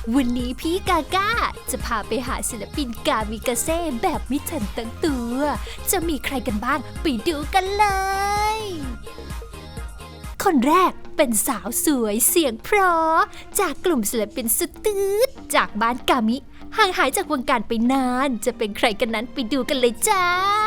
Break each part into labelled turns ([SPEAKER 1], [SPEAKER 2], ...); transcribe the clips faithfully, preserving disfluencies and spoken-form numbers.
[SPEAKER 1] วันนี้พี่กาก้าจะพาไปหาศิลปินกามิกาเซ่แบบไม่ทันตั้งตัว จะมีใครกันบ้างไปดูกันเลย คนแรกเป็นสาวสวยเสียงเพราะจากกลุ่มศิลปินสุดตืดจากบ้านกามิห่างหายจากวงการไปนานจะเป็นใครกันนั้นไปดูกันเลยจ้า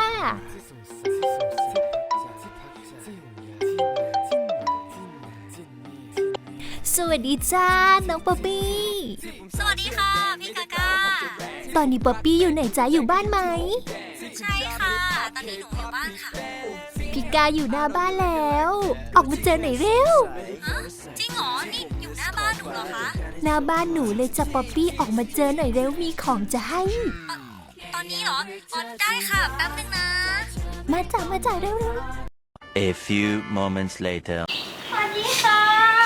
[SPEAKER 1] สวัสดีจ้าน้องป๊อปปี้
[SPEAKER 2] สวัสดีค่ะพี่กาก้า
[SPEAKER 1] ตอนนี้ป๊อปปี้อยู่ไหนจ้าอยู่บ้านไหม
[SPEAKER 2] ใช่ค่ะตอนนี้หนูอยู่บ้านค่ะ
[SPEAKER 1] พี่กาอยู่หน้าบ้านแล้วออกมาเจอหน่อยเร็ว
[SPEAKER 2] ฮะจริงเหรอนี่อยู่หน้าบ้านหนูเหรอคะ
[SPEAKER 1] หน้าบ้านหนูเลยจ้ะป๊อปปี้ออกมาเจอหน่อยเร็วมีของจะให้
[SPEAKER 2] ตอนนี้เหรออ๋อได้ค่ะแป๊บนึงนะ
[SPEAKER 1] มาจ้ะมาจ้ะเร็วเร็ว
[SPEAKER 3] A few moments later
[SPEAKER 2] สวัสดีค่ะ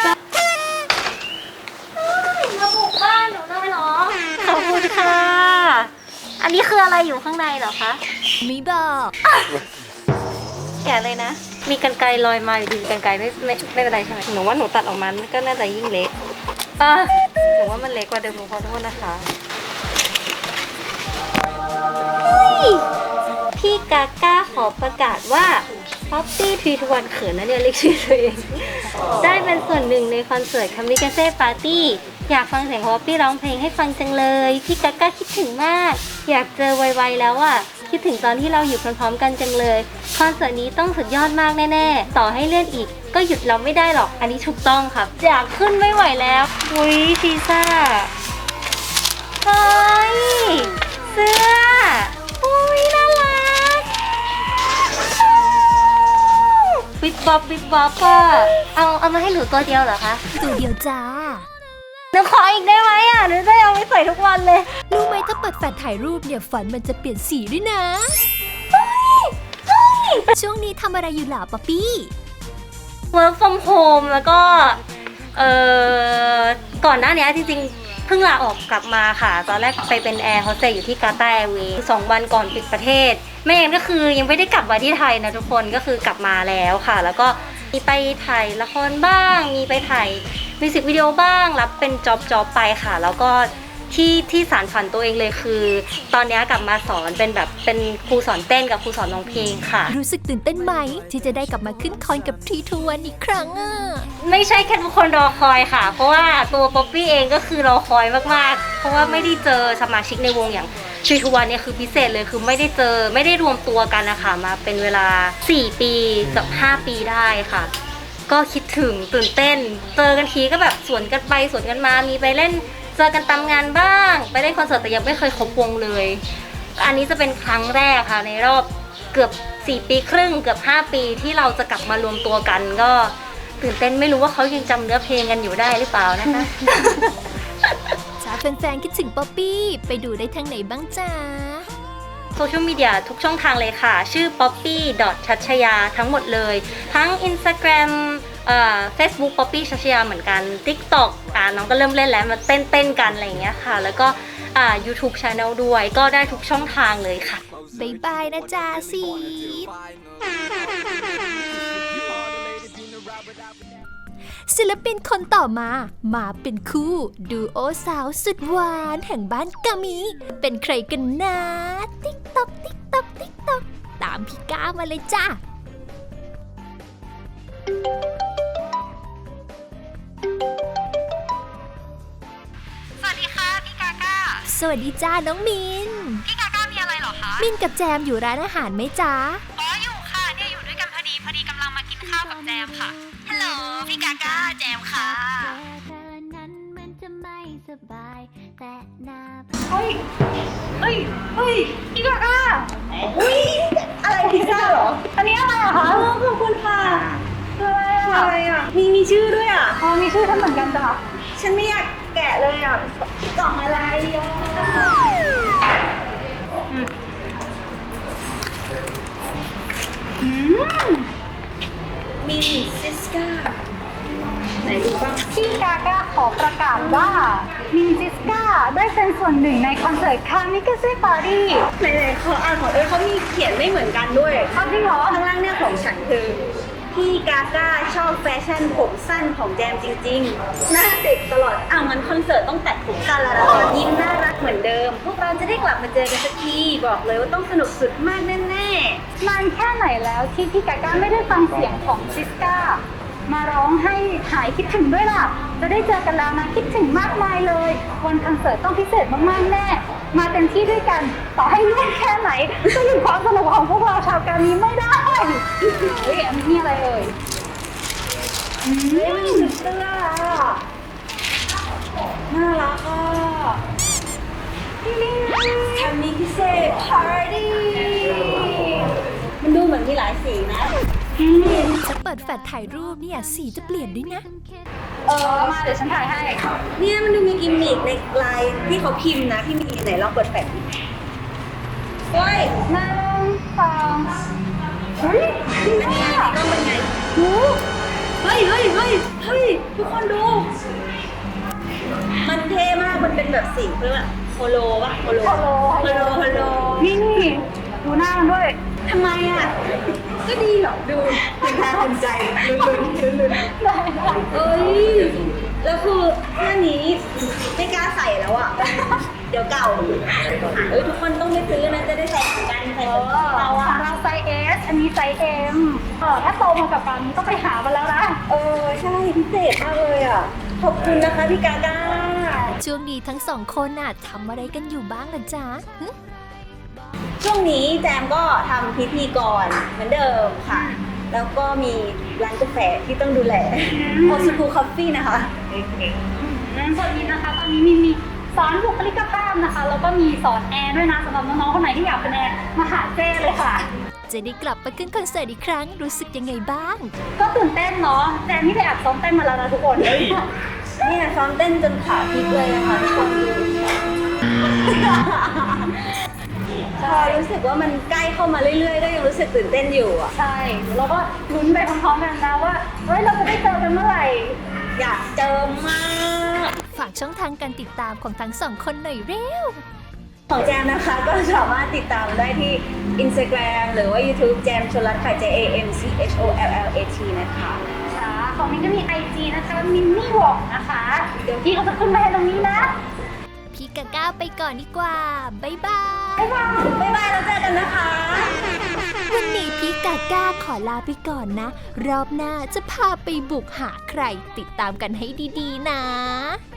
[SPEAKER 2] มาบุกบ้านหนูเลยเหรอขอบคุณค่ะอันนี้คืออะไรอยู่ข้างในเหรอคะ
[SPEAKER 1] มีบอก
[SPEAKER 2] แกะเลยนะมีกรรไกรลอยมาอยู่ดีกรรไกรไม่ไม่ไม่เป็นไรใช่ไหมหนูว่าหนูตัดออกมาก็น่าจะยิ่งเล็กอ่ะหนูว่ามันเล็กกว่าเดิมหนูขอโทษนะคะพี่กาก้าขอประกาศว่าป๊อปปี้ทรีทวันเขินนะเนี่ยเรียกชื่อตัวเองได้เป็นส่วนหนึ่งในคอนเสิร์ตคามิกาเซ่ปาร์ตี้อยากฟังเสียงของป๊อปปี้ร้องเพลงให้ฟังจังเลยพี่กาก้าคิดถึงมากอยากเจอไวๆแล้วอ่ะคิดถึงตอนที่เราอยู่พร้อมๆกันจังเลยคอนเสิร์ตนี้ต้องสุดยอดมากแน่ๆต่อให้เลื่อนอีกก็หยุดเราไม่ได้หรอกอันนี้ถูกต้องครับอยากขึ้นไม่ไหวแล้วอุ้ยซีซ่าเฮ้ยเสื้ออุ้ยน่ารักบิ๊บบ๊อบบิ๊บบ๊อบอะเอาเอามาให้หนูตัวเดียวเหรอคะ
[SPEAKER 1] ตัวเดียวจ้า
[SPEAKER 2] หนูขออีกได้ไหมอ่ะหนูจะเอาไปใส่ทุกวันเลย
[SPEAKER 1] รู้ไหมถ้าเปิดแฟลชถ่ายรูปเนี่ยฝันมันจะเปลี่ยนสีด้วยนะช่วงนี้ทำอะไรอยู่หล่ะป๊อปปี้
[SPEAKER 2] work from home แล้วก็เอ่อก่อนหน้านี้จริงๆเพิ่งลาออกกลับมาค่ะตอนแรกไปเป็นแอร์โฮสเตสอยู่ที่กาตาร์แอร์เวย์สองวันก่อนปิดประเทศไม่งั้นก็คือยังไม่ได้กลับมาที่ไทยนะทุกคนก็คือกลับมาแล้วค่ะแล้วก็มีไปถ่ายละครบ้างมีไปถ่ายมิวสิกวิดีโอบ้างรับเป็นจ็อบจ็อบไปค่ะแล้วก็ที่ที่สารฝันตัวเองเลยคือตอนนี้กลับมาสอนเป็นแบบเป็นครูสอนเต้นกับครูสอนร้องเพลงค่ะ
[SPEAKER 1] รู้สึกตื่นเต้นไหมที่จะได้กลับมาขึ้นคอนกับทีทูวันอีกครั้งอ่ะ
[SPEAKER 2] ไม่ใช่แค่ทุกคนรอคอยค่ะเพราะว่าตัวป๊อปปี้เองก็คือรอคอยมากๆเพราะว่าไม่ได้เจอสมาชิกในวงอย่างทีทูวันเนี่ยคือพิเศษเลยคือไม่ได้เจอไม่ได้รวมตัวกันนะคะมาเป็นเวลาสี่ปีกับห้าปีได้ค่ะก็คิดถึงตื่นเต้นเจอกันทีก็แบบสวนกันไปสวนกันมามีไปเล่นเจอกันตามงานบ้างไปเล่นคอนเสิร์ตแต่ยังไม่เคยครบวงเลยอันนี้จะเป็นครั้งแรกค่ะในรอบเกือบสี่ปีครึ่งเกือบห้าปีที่เราจะกลับมารวมตัวกันก็ตื่นเต้นไม่รู้ว่าเขายังจำเนื้อเพลงกันอยู่ได้หรือเปล่านะคะ
[SPEAKER 1] จ้าแฟนๆคิดถึงป๊อปปี้ไปดูได้ทางไหนบ้างจ้า
[SPEAKER 2] โซเชียลมีเดียทุกช่องทางเลยค่ะชื่อ ป๊อปปี้ ชัชยา ทั้งหมดเลยทั้ง Instagram เอ่อ Facebook ป๊อปปี้ ชัชยาเหมือนกัน TikTok อ่าน้องก็เริ่มเล่นแล้วมาเต้นเต้นกันอะไรอย่างเงี้ยค่ะแล้วก็อ่า YouTube Channel ด้วยก็ได้ทุกช่องทางเลยค่ะ
[SPEAKER 1] บ๊ายบายนะจ๊ะซีศิลปินคนต่อมามาเป็นคู่ดูโอสาวสุดหวานแห่งบ้านกามิเป็นใครกันนะติ๊กต๊อกติ๊กต๊อกติ๊กต๊อกตามพี่ก้ามาเลยจ้า
[SPEAKER 2] สวัสดีค่ะพี่กาก้า
[SPEAKER 1] สวัสดีจ้าน้องมิน
[SPEAKER 2] พี่กาก้ามีอะไรเหรอคะ
[SPEAKER 1] มินกับแจมอยู่ร้านอาหารไหมจ้า
[SPEAKER 2] อ๋ออยู่ค่ะเนี่ยอยู่ด้วยกันพอดีพอดีกำลังมากินข้าวกับแจมค่ะฮัลโหลพี่กาก้าแจมค่ะเฮ้ยเฮ้ยเฮ้ยพี่กาก้าอุ้ยอะไรพิซซ่าเหรออันนี้อะไรอะคะขอบคุณค่ะอะไรอ่ะมีมีชื่อด้วยอ่ะอ๋อมีชื่อท่านเหมือนกันจ้ะฉันไม่อยากแกะเลยอ่ะกล่องอะไรอ่ะอืมมินซิสก้าไหนดูบ้าง
[SPEAKER 4] พี่กาก้าขอประกาศว่ามินซิสก้าได้เป็นส่วนหนึ่งในคอนเสิร์ตคามิกาเซ่ปาร์ตี้
[SPEAKER 2] ไหนๆเขาอ่านของเออเขามีเขียนไม่เหมือนกันด้วย
[SPEAKER 4] อ๋อจริงเหรอ
[SPEAKER 2] ข้างล่างเนี่ยของฉันคือพี่กาก้าชอบแฟชั่นผมสั้นของแจมจริงๆหน้าเด็กตลอดอ้าวงั้นคอนเสิร์ตต้องตัดผม
[SPEAKER 5] กันแล้วนะคะยิ้มน่ารักเหมือนเดิม พวกเราจะได้กลับมาเจอกันสักทีบอกเลยว่าต้องสนุกสุดมากแน่
[SPEAKER 4] นานแค่ไหนแล้วที่พี่กาก้าไม่ได้ฟังเสียงของซิสก้ามาร้องให้หายคิดถึงด้วยล่ะ จะได้เจอกันแล้วนะคิดถึงมากมายเลยวันคอนเสิร์ตต้องพิเศษมากๆแน่ มาเต็มที่ด้วยกัน ต่อให้เล่นแค่ไหนก็หยุดความสนุกของพวกเราชาวการนี้ไม่ได้เฮ้ยอันนี้อะไรเอ่ยอืม
[SPEAKER 5] ๆเฮ้ยมันสุดเสื้ออะน่ารักอ่ะทำนี้พิเศษพาร์ตี้มันดูเหมือนมีหลายสีนะ
[SPEAKER 1] จะเปิดแฟลชถ่ายรูปเนี่ยสีจะเปลี่ยนด้วยนะ
[SPEAKER 4] เออมาเดี๋ยวฉันถ่ายให้
[SPEAKER 5] เนี่ยมันดูมีกิมมิคในลายที่เขาพิมพ์นะที่มีไหนลองเปิดแฟลชดิเฮ้ย
[SPEAKER 4] หนึ่งสองเฮ้ยจริง
[SPEAKER 5] อันนี้
[SPEAKER 4] อ่ะ
[SPEAKER 5] ก็เป็นไง
[SPEAKER 4] หู
[SPEAKER 5] เฮ้ยเฮ้ยเฮ้ยเฮ้ยทุกคนดู มันเท่มาก มันเป็นแบบสีเรียกว่าโฮโลปะโฮโล
[SPEAKER 4] ฮัลโหล
[SPEAKER 5] โฮโลโฮโล
[SPEAKER 4] นี่นี่ดูหน้ามันด้วย
[SPEAKER 5] ทำไมอ่ะ ก็ดีเหรอ ดูเป็นตาเป็นใจลุ้นลุ้นลุ้น
[SPEAKER 4] ได้ได้
[SPEAKER 5] เอ้ย แล้วคือเสื้อนี้ไม่กล้าใส่แล้วอ่ะ เดี๋ยวเก่าเอ้ยทุกคนต้องไม่ซื้อนะจะได้ใส่เหมือนกันใส่
[SPEAKER 4] เอ
[SPEAKER 5] เหมือน
[SPEAKER 4] อ
[SPEAKER 5] เรา
[SPEAKER 4] ข
[SPEAKER 5] อ่ะ
[SPEAKER 4] องเราไซส์ S อันนี้ไซส์ M เออถ้าโตมากับการนี้ต้องไปหามาแล้วนะ
[SPEAKER 5] เออใช่พิเศษมากเลยอ่ะ ขอบคุณนะคะพี่กาก้า
[SPEAKER 1] ช่วงนี้ทั้งสองคนน่ะทำอะไรกันอยู่บ้างล่ะจ๊ะหึ
[SPEAKER 5] ช่วงนี้แจมก็ทำพิธีกรเหมือนเดิมค่ะ แล้วก็มีร้านกาแฟที่ต้องดูแลโอซูคูคอฟฟี่นะคะ
[SPEAKER 4] นั้นส่วนนี้นะคะตอนนี้มีมีสอนบุคลิกภาพนะคะ แล้วก็มีสอนแอร์ด้วยนะสำหรับน้องๆคนไหนที่อยากเป็นแอร์มาหาเจ้เลยค่ะ
[SPEAKER 1] จะได้กลับไปขึ้นคอนเสิร์ตอีกครั้งรู้สึกยังไงบ้าง
[SPEAKER 4] ก็ตื่นเต้นเนาะแจนนี่ไปอัดซ้อมเต้นมาแล้วนะทุกคน
[SPEAKER 5] เนี่ยซ้อมเต้นจนขาพลิกเลยนะคะทุกคนดูพอรู้สึกว่ามันใกล้เข้ามาเรื่อยๆ ก็ยังรู้สึกตื่นเต้นอยู่อ่ะ
[SPEAKER 4] ใช่แล้วก็ลุ้นไปพร้อมๆกันนะว่าเฮ้ยเราจะได้เจอกันเมื่อไหร่
[SPEAKER 5] อยากเจอมาก
[SPEAKER 1] ฝากช่องทางการติดตามของทั้งสองคนหน่อยเร็ว
[SPEAKER 5] ของแจมนะคะก็สามารถติดตามได้ที่ Instagram หรือว่า YouTube แจมชลรัตน์ค่ะ J A M C H O L L A T นะคะ
[SPEAKER 4] ค่ะของมิ้นก็มี ไอ จี นะคะมินนี่วอกนะคะ เดี๋ยวพี่เขาจะขึ้นมาให้ตรงนี้นะ
[SPEAKER 1] พี่กาก้าไปก่อนดีกว่า บ๊ายบาย
[SPEAKER 4] บ๊ายบาย
[SPEAKER 5] บ๊ายบายแล้วเจอกันนะคะ
[SPEAKER 1] วันนี้พี่กาก้าขอลาไปก่อนนะ รอบหน้าจะพาไปบุกหาใครติดตามกันให้ดีๆนะ